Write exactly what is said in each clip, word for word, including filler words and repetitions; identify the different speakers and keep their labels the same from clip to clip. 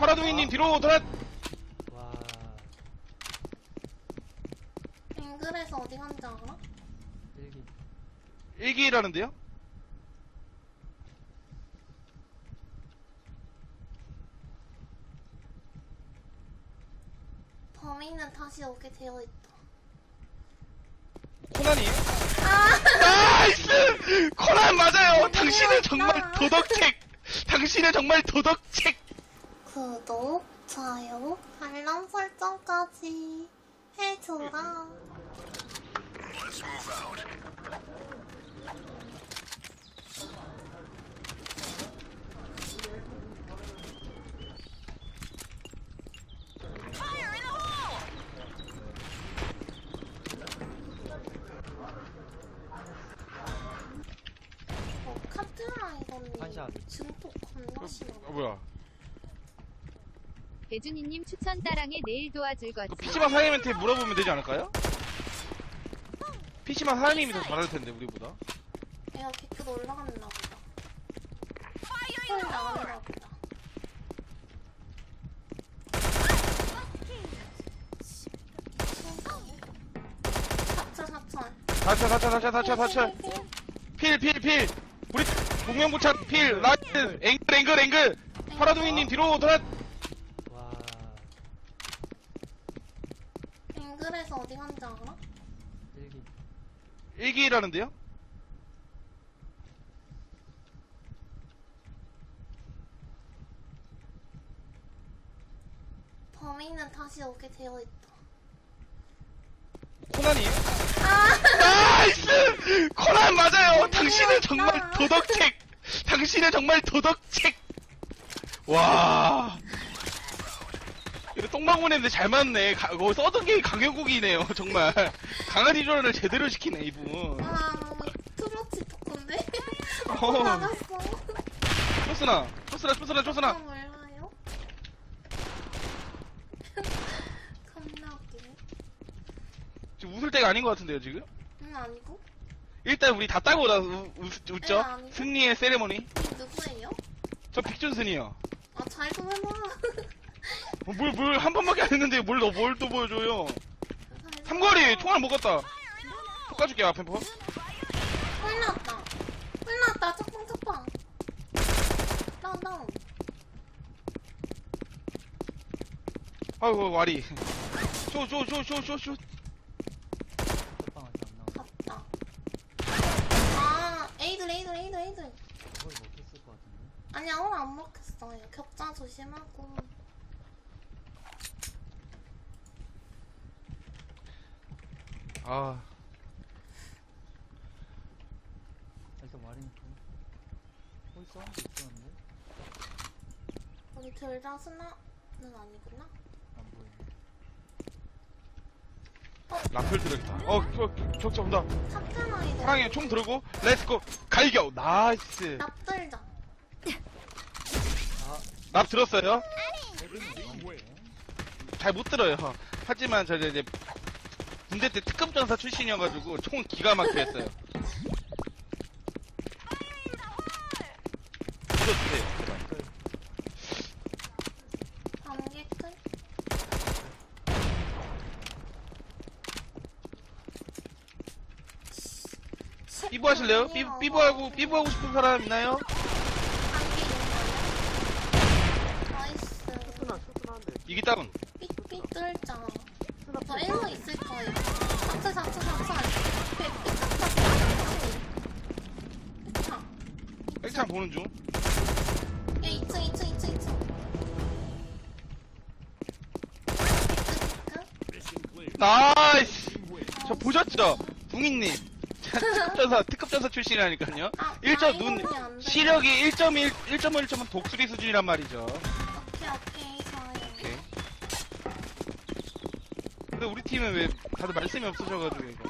Speaker 1: 파라둥이님 뒤로 돌아.
Speaker 2: 와.
Speaker 3: 앵글에서 어디 간지 알아?
Speaker 2: 일기.
Speaker 1: 일기라는데요?
Speaker 3: 범인은 다시 오게 되어 있다.
Speaker 1: 코난이에요?
Speaker 3: 아!
Speaker 1: 나이스! 코난 맞아요! 당신은 정말
Speaker 3: 재밌다.
Speaker 1: 도덕책! 당신은 정말 도덕책!
Speaker 3: 구독, 좋아요, 알람 설정까지 해줘라. 어, 카트라이더님
Speaker 2: 반샷.
Speaker 3: 증폭 겁나 심하.
Speaker 1: 어, 뭐야.
Speaker 4: 배준이님 추천 따랑에 내일 도와줄
Speaker 1: 그
Speaker 4: 거지.
Speaker 1: 피씨방 사장님한테 물어보면 되지 않을까요? 피씨방 사장님이 더 잘할 텐데, 우리보다.
Speaker 3: 얘가 개급 올라갔나 보다. 헐 나왔나 보다. 사철 사철.
Speaker 1: 다쳐, 다쳐, 다쳐, 다쳐, 다쳐. 필, 필, 필! 우리, 공명부착, 필, 라이트, 앵글, 앵글, 앵글! 파라둥이님 뒤로 돌아.
Speaker 2: 와.
Speaker 3: 앵글에서 어디 간지 알아?
Speaker 2: 일기.
Speaker 1: 일기라는데요?
Speaker 3: 범인은 다시 오게 되어 있다.
Speaker 1: 코난이에요?
Speaker 3: 아!
Speaker 1: 나이스! 코난 맞아요! 당신은
Speaker 3: 재밌다.
Speaker 1: 정말 도덕책! 당신은 정말 도덕책! 와. 이거 똥방문했는데 잘 맞네. 가, 거 써둔 게 강효국이네요, 정말. 강아지 조련을 제대로 시키네, 이분.
Speaker 3: 아 너무 트로치 토크인데?
Speaker 1: 어.
Speaker 3: 나갔어.
Speaker 1: 초스나, 초스나, 초스나,
Speaker 3: 아
Speaker 1: 초스나.
Speaker 3: 몰라요? 겁나 웃기네.
Speaker 1: 지금 웃을 때가 아닌 것 같은데요, 지금?
Speaker 3: 응 아니고?
Speaker 1: 일단 우리 다 따고 나 우, 웃, 웃죠?
Speaker 3: 네, 아니고.
Speaker 1: 승리의 세레모니.
Speaker 3: 이 누구예요?
Speaker 1: 저 빅준슨이요.
Speaker 3: 아 잘 좀 해봐.
Speaker 1: 어, 뭘, 뭘, 한 번밖에 안 했는데 뭘, 너, 뭘 또 보여줘요. 삼거리, 총알 먹었다. 폭 까줄게요, 앞에 폭.
Speaker 3: 홀났다. 홀났다. 쪽방 쪽방. 다운 다운.
Speaker 1: 아이고, 와리. 쇼, 쇼, 쇼, 쇼, 쇼, 쇼.
Speaker 2: 첫방 아직 안 나와.
Speaker 3: 갔다. 아 에이들 에이들 에이들 에이들.
Speaker 2: 거의 먹혔을 것 같은데.
Speaker 3: 아니야 오늘 안 먹혔어요. 격자 조심하고.
Speaker 1: 아,
Speaker 2: 일단 와리니까. 거기 사운드 있었는데?
Speaker 3: 우리 둘 다 스나는 아니구나.
Speaker 2: 안 보이네.
Speaker 1: 라플 들어있다. 어, 겨, 격자 온다.
Speaker 3: 카트라이더.
Speaker 1: 사랑해, 총 들고, 렛츠고, 갈겨. 나이스.
Speaker 3: 납들자.
Speaker 2: 아,
Speaker 1: 납 들었어요?
Speaker 2: 해빈이
Speaker 1: 잘 못 들어요. 하지만 저 이제 군대 때 특급 전사 출신이어가지고 총 기가 막히게 했어요. 들어주세요.
Speaker 3: 안개 끝.
Speaker 1: 삐부 하실래요? 삐, 삐부하고, 삐부하고 싶은 사람 있나요?
Speaker 3: 안개 있나요? 나이스.
Speaker 1: 이기 다운.
Speaker 3: 삐삐 뚫자. 저 일로 있을 거예요. 사철 사철 사철. 삐삐
Speaker 1: 백창 보는 중.
Speaker 3: 얘 이 층 이 층 이 층 이 층.
Speaker 1: 나이스. 저 보셨죠? 붕이님. 특급 전사, 특급 전사 출신이라니까요.
Speaker 3: 아,
Speaker 1: 일 점,
Speaker 3: 아,
Speaker 1: 눈,
Speaker 3: 이거는 안 돼.
Speaker 1: 시력이 일 점 일, 일 점 일 점은 독수리 수준이란 말이죠.
Speaker 3: 오케이 오케이 좋아요.
Speaker 1: 오케이. 근데 우리 팀은 왜 다들 말씀이 없으셔가지고 이거.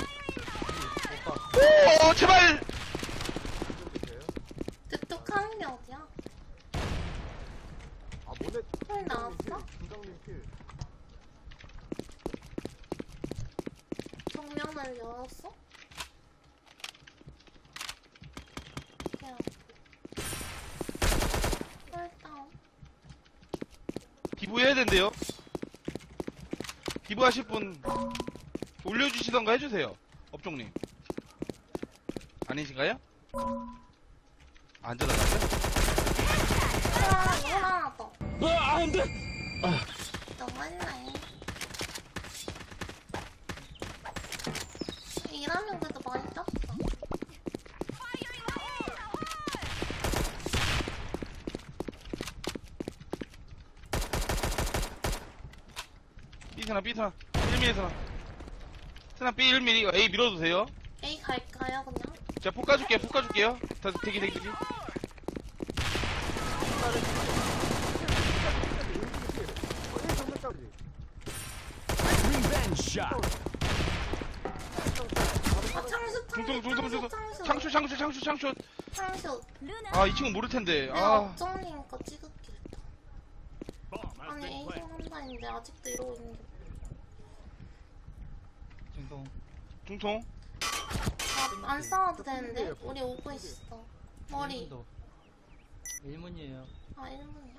Speaker 1: 오, 제발.
Speaker 3: 득득하는 게 어디야?
Speaker 5: 아, 뭐네?
Speaker 3: 헐 나왔어?
Speaker 5: 부장님 필.
Speaker 3: 정면을 열었어? 그냥 헐 다운.
Speaker 1: 기부해야 된대요. 기부하실 분 올려주시던가 해주세요. 업종님. 아니신가요? 안 전화갔어요?
Speaker 3: 아, 이거 하나 더.
Speaker 5: 아, 안 돼!
Speaker 3: 너무했네. 일하면 그래도 많이 땄어.
Speaker 1: B스나 B스나 일 밀리스나 스나 B 일 밀리 A 밀어주세요.
Speaker 3: A 갈까요, 그냥?
Speaker 1: 제가 폭 까줄게요. 폭 까줄게요. 다 대기 대기 대기.
Speaker 5: 리벤지 샷!
Speaker 3: 아, 창수,
Speaker 1: 중통 중통 중통
Speaker 3: 창수,
Speaker 1: 창ሹ 창ሹ 창ሹ 창ሹ.
Speaker 3: 창수.
Speaker 1: 아 이 친구 모를 텐데.
Speaker 3: 내가
Speaker 1: 아
Speaker 3: 업정님 거 찍을게. 아니, A 좀 한다는데 아직도 이러고 있는 게.
Speaker 2: 중동.
Speaker 1: 중통.
Speaker 3: 아, 안 싸워도 되는데? 우리 오고 있어. 머리.
Speaker 2: 일문이에요.
Speaker 3: 아, 일 분이야?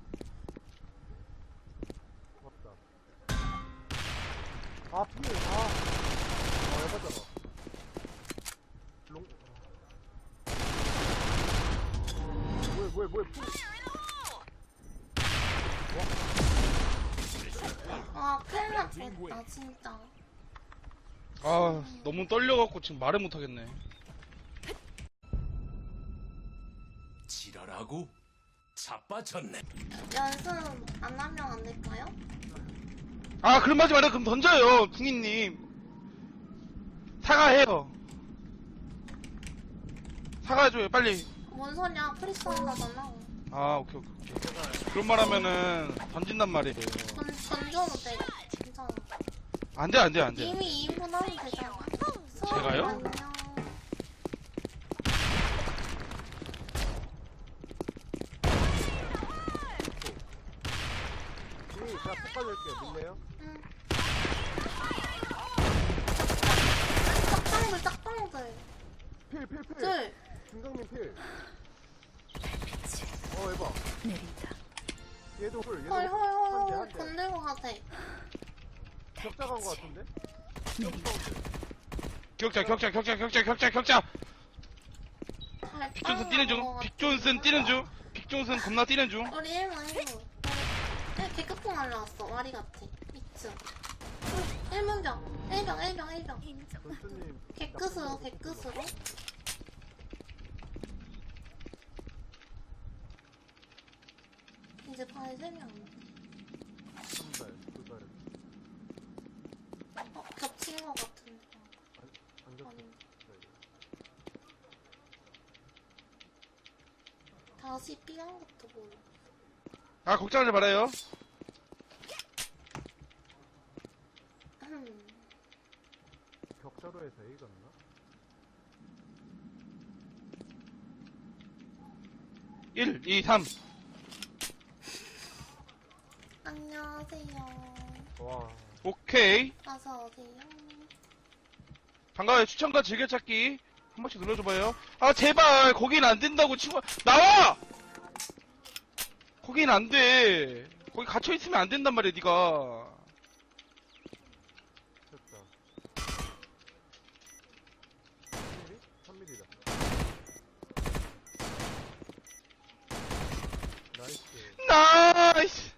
Speaker 6: 아, 필, 아. 어, 해봤잖아. 롱. 뭐야, 뭐야, 뭐야, 필.
Speaker 3: 아, 큰일 날 뻔했다, 진짜.
Speaker 1: 아 너무 떨려갖고 지금 말을 못하겠네.
Speaker 5: 지랄하고 자빠졌네.
Speaker 3: 연습 안 하면 안 될까요?
Speaker 1: 아 그럼 하지 말아요. 그럼 던져요 궁이님. 사과해요. 사과해줘요 빨리.
Speaker 3: 뭔 소리야, 프리스 한다잖아.
Speaker 1: 아 오케이 오케이 오케이. 그런 말 하면은 던진단 말이에요.
Speaker 3: 던, 던져도 돼. 괜찮아.
Speaker 1: 안돼 안돼 안돼.
Speaker 3: 이미 이 인분 하면 되잖아.
Speaker 1: 제가요?
Speaker 3: 안녕.
Speaker 6: 필, 제가 폭발 낼게요. 믿네요?
Speaker 3: 응. 짝방들, 짝방들.
Speaker 6: 필, 필, 필.
Speaker 3: 둘.
Speaker 6: 중강님 필. 어, 해봐. 얘도 홀, 얘도
Speaker 3: 헐, 헐, 헐,
Speaker 6: 한 대,
Speaker 3: 헐.
Speaker 6: 한 대.
Speaker 3: 건들고 가세.
Speaker 6: 격자 간거 같은데?
Speaker 1: 격자 격자 격자 격자 격자 격자.
Speaker 3: 잘
Speaker 1: 빅존슨 뛰는 중. 빅존슨 뛰는 중. 빅존슨 겁나 뛰는 중.
Speaker 3: 우리 일문, 일문. 네, 개급풍 날라왔어. 와리 같아. 미츠. 일문병. 일병, 일병, 일병.
Speaker 6: 전수님.
Speaker 3: 개끝으로, 개끝으로. 이제 발이 세 명.
Speaker 6: 한 달, 두 달.
Speaker 3: 어, 겹친 것 같은데.
Speaker 6: 안 겹쳐.
Speaker 3: 아니, 다시 삐한 것도 몰라.
Speaker 1: 아 걱정하지 말아요.
Speaker 3: 음.
Speaker 6: 격자로 해서 A 갔나?
Speaker 1: 일, 이, 삼.
Speaker 3: 안녕하세요.
Speaker 6: 와.
Speaker 1: 오케이.
Speaker 3: 어서 오세요.
Speaker 1: 반가워요. 추천과 즐겨찾기 한 번씩 눌러줘봐요. 아 제발 거긴 안 된다고 친구 나와. 거긴 안 돼. 거기 갇혀 있으면 안 된단 말이야 네가.
Speaker 6: 됐다. 삼 밀리? 삼 밀리다. 나이스.
Speaker 1: 나이스.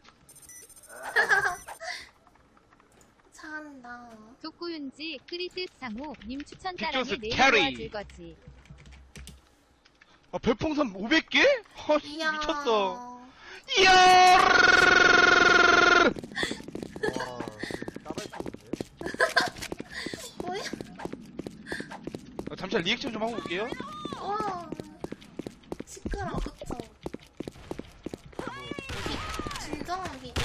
Speaker 3: 잘한다.
Speaker 4: 독구윤지 크리스 상호 님 추천 따랑에
Speaker 1: 빅조스
Speaker 4: 내일
Speaker 1: 캐리.
Speaker 4: 도와줄 거지.
Speaker 1: 아 별풍선 오백 개? 아
Speaker 3: 이야.
Speaker 1: 미쳤어. 이야.
Speaker 6: 와, 따발총인데?
Speaker 3: 뭐야?
Speaker 1: 아, 잠시만 리액션 좀 하고 올게요.
Speaker 3: 와. 시끄러워, 그쵸? 비, 진정한 비디오.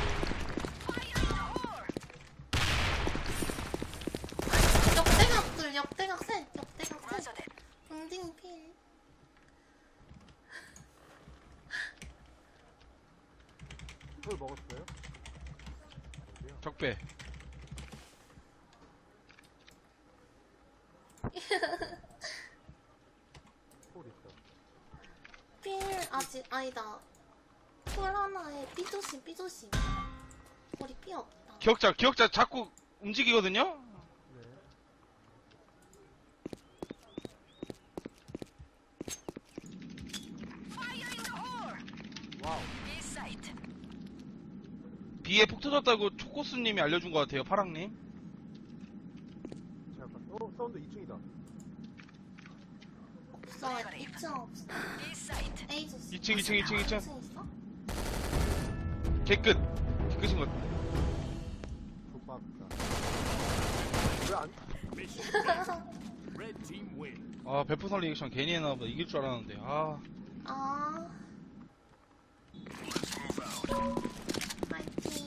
Speaker 3: 역대각들, 역대각 셋, 역대각 셋. 응딩 필.
Speaker 6: 술 먹었어요? 어디야?
Speaker 1: 적배.
Speaker 6: 술 있다.
Speaker 3: 필, 아직, 아니다. 술 하나에 삐조심 삐조심. 우리 삐 없다.
Speaker 1: 기억자, 기억자 자꾸 움직이거든요?
Speaker 6: 네. 와우.
Speaker 1: B에 폭 터졌다고 초코스님이 알려준 것 같아요, 파랑님.
Speaker 6: 잠깐. 어, 사운드 이 층이다.
Speaker 3: 없어. 이 층 없어. A 조심.
Speaker 1: 이 층, 이 층, 이 층, 이 층.
Speaker 3: 이 층 있어?
Speaker 1: 개끝. 개끝인 것 같아.
Speaker 6: 족박다. 왜 안,
Speaker 5: Red team win.
Speaker 1: 아, 베프선 리액션 괜히 해놔보다 이길 줄 알았는데. 아,
Speaker 3: 아. 파이팅.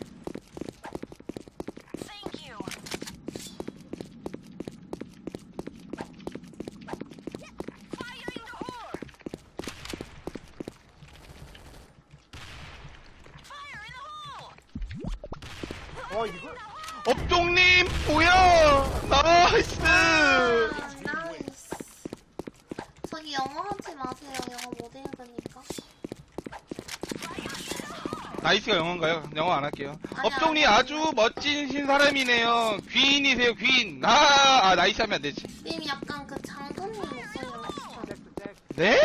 Speaker 6: 와, 이걸?
Speaker 1: 업종님, 뭐야! 나이스!
Speaker 3: 아, 나이스. 저기 영어 하지 마세요. 영어 못 읽으니까.
Speaker 1: 나이스가 영어인가요? 영어 안 할게요.
Speaker 3: 아니,
Speaker 1: 업종님
Speaker 3: 아니,
Speaker 1: 아주 멋진 사람이네요. 귀인이세요, 귀인. 아, 아, 나이스 하면 안 되지.
Speaker 3: 님 약간 그 장군님 목소리로 비슷하.
Speaker 6: 잭스, 잭스.
Speaker 1: 네?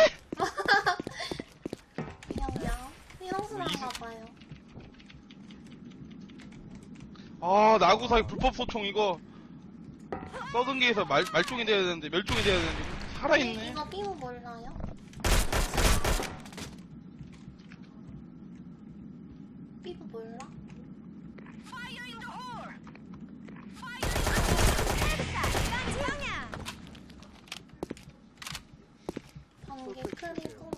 Speaker 3: 그냥요. 휘영수랑가 봐요.
Speaker 1: 아, 나구사기 불법 소총 이거. 서든게에서 말, 말종이 돼야 되는데, 멸종이 돼야 되는데, 살아있네.
Speaker 3: 이거 삐우 몰라요? 삐우 몰라? 번개 크리고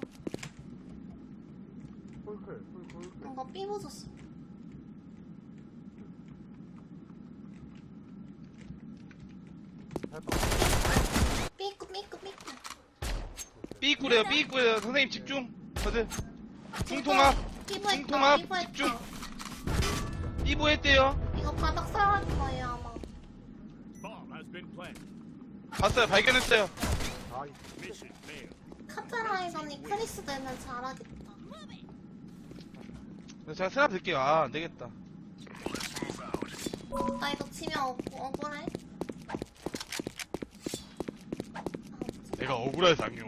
Speaker 6: 폴클, 폴, 폴클.
Speaker 3: 이거 삐우 조심.
Speaker 6: 잘 봐.
Speaker 3: 삐꾸 삐꾸 삐꾸.
Speaker 1: 삐꾸래요, 삐꾸래요. 선생님 집중. 다들. 중통합.
Speaker 3: 삐부 했다.
Speaker 1: 중통합.
Speaker 3: 삐부
Speaker 1: 집중.
Speaker 3: 했다.
Speaker 1: 삐부 했대요.
Speaker 3: 이거 바닥 살할 거예요 아마.
Speaker 5: Bomb has been planted.
Speaker 1: 봤어요, 발견했어요.
Speaker 6: 아, 이
Speaker 5: Mission failed.
Speaker 3: 카트라이더니 크리스 되면 잘하겠다.
Speaker 1: 제가 스납 들게요. 아, 안 되겠다.
Speaker 3: 나 이거 치면 억, 억울해? 아,
Speaker 1: 내가 억울하상요.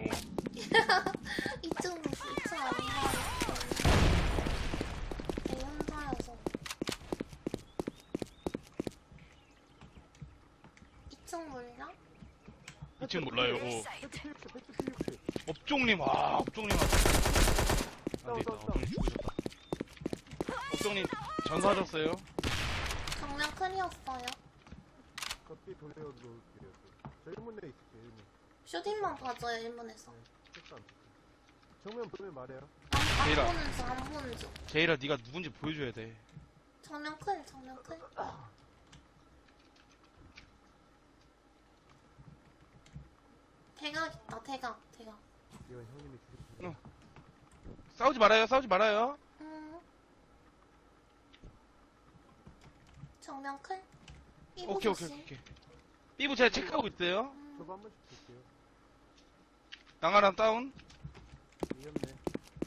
Speaker 3: 이층 이층 안 가요. 내 혼자여서. 이층 몰라?
Speaker 1: 이 층 몰라요.
Speaker 6: 팩트 피육십, 팩트 피육십.
Speaker 1: 업종님, 아, 업종님. 안 되겠다. 업종님 죽으셨다. 업종님, 전사하셨어요.
Speaker 3: 정면 클이었어요.
Speaker 6: 커피 돌려놓을게요. 저 일문에 있을게요, 일문.
Speaker 3: 슈팅만 봐줘요 일문에서.
Speaker 6: 색감. 정면 보면 말해요.
Speaker 3: 안, 안
Speaker 1: 제이라.
Speaker 3: 보는 중, 안 보는 중.
Speaker 1: 제이라, 네가 누군지 보여줘야 돼.
Speaker 3: 정면 클, 정면 클. 대각 있다, 대각, 대각.
Speaker 6: 이건 형님이 주실
Speaker 1: 싸우지 말아요, 싸우지 말아요.
Speaker 3: 음. 정면 클. 삐부
Speaker 1: 오케이, 오케이,
Speaker 3: 조심.
Speaker 1: 오케이. 삐부 제가 체크하고 있어요.
Speaker 3: 음.
Speaker 6: 저거 한 번씩 줄게요.
Speaker 1: 낭아랑 다운.
Speaker 6: 위험네.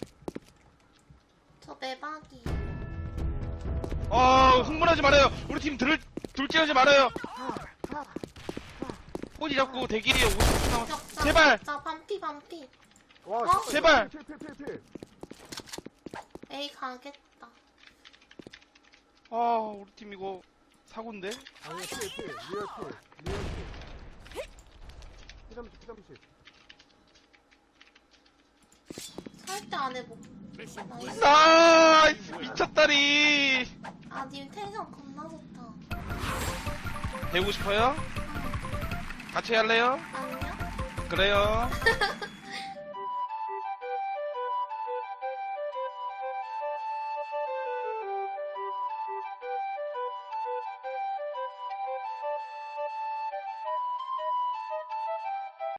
Speaker 3: 저 매박이.
Speaker 1: 아, 흥분하지 말아요. 우리 팀 들, 둘째하지 말아요. 꼬지 잡고 대기리에 오십 분 남았
Speaker 3: 격자,
Speaker 1: 제발!
Speaker 3: 격자, 반피, 반피.
Speaker 6: 와,
Speaker 3: 어?
Speaker 1: 제발!
Speaker 6: 필, 필, 필, 필.
Speaker 3: 에이, 가겠다.
Speaker 1: 아, 우리 팀 이거 사고인데?
Speaker 6: 아니야, 필, 필. 리얼 필. 리얼 필. 피삼십, 피삼십.
Speaker 3: 설대 안 해보.
Speaker 5: Mission
Speaker 3: 나이스.
Speaker 1: 나이스! 미쳤다리!
Speaker 3: 아, 님 텐션 겁나 좋다.
Speaker 1: 배우고 싶어요? 같이 할래요?
Speaker 3: 아니요?
Speaker 1: 그래요.